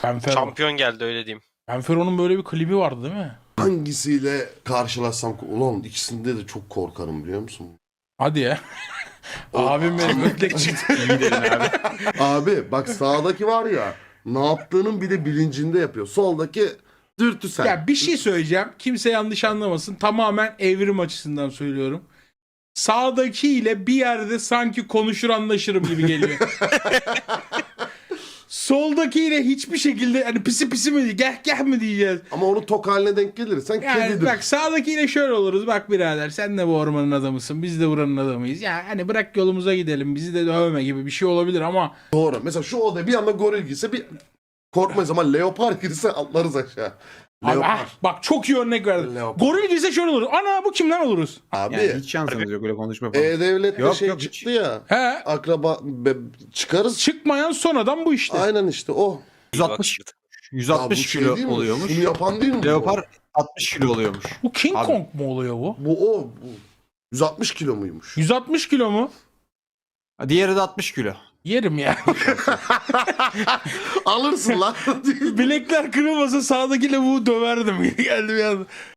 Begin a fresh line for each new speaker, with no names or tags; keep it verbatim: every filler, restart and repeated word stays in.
Fenfer.
Şampiyon geldi öyle diyeyim.
Fenfero'nun böyle bir klibi vardı değil mi?
Hangisiyle karşılaşsam ulan ikisinde de çok korkarım biliyor musun?
Hadi ya.
O-
Abim benim ötlek çıktı.
İyi dedin abi.
Abi bak sağdaki var ya ne yaptığının bir de bilincinde yapıyor. Soldaki dürtüsel.
Ya bir şey söyleyeceğim. Kimse yanlış anlamasın. Tamamen evrim açısından söylüyorum. Sağdakiyle bir yerde sanki konuşur anlaşırım gibi geliyor. Soldakiyle hiçbir şekilde hani pisi pisi mi diye geh geh mi diyeceğiz.
Ama onun tok haline denk gelirsen
Yani
kedidir.
bak sağdakiyle şöyle oluruz. Bak birader sen de bu ormanın adamısın. Biz de buranın adamıyız. Ya hani bırak yolumuza gidelim. Bizi de dövme gibi bir şey olabilir ama
Doğru. Mesela şu odaya bir anda goril girse bir korkmayız ama leopar girse atlarız aşağı.
abi,
Leopar.
ah, bak çok iyi örnek verdin.
Leopar.
Goril girse şöyle olur. Ana bu kimden oluruz?
Abi
Yani hiç şansınız yok öyle konuşma falan.
E-Devlet'te
Yok,
şey
yok, hiç.
çıktı ya.
He.
Akraba be- çıkarız.
Çıkmayan son adam bu işte.
Aynen işte o.
yüz altmış yüz
Ya bu
altmış
şey
kilo
değil mi?
oluyormuş.
Şunu yapan değil mi? bu?
Leopar altmış kilo oluyormuş.
Bu King
Abi.
Kong mu oluyor bu?
Bu o. Bu. yüz altmış kilo muymuş?
yüz altmış kilo mu?
Ha, diğeri de altmış kilo.
Yerim ya.
Alırsın lan.
Bilekler kırılmasa sağdaki lavuğu döverdim. Geldi bir anda.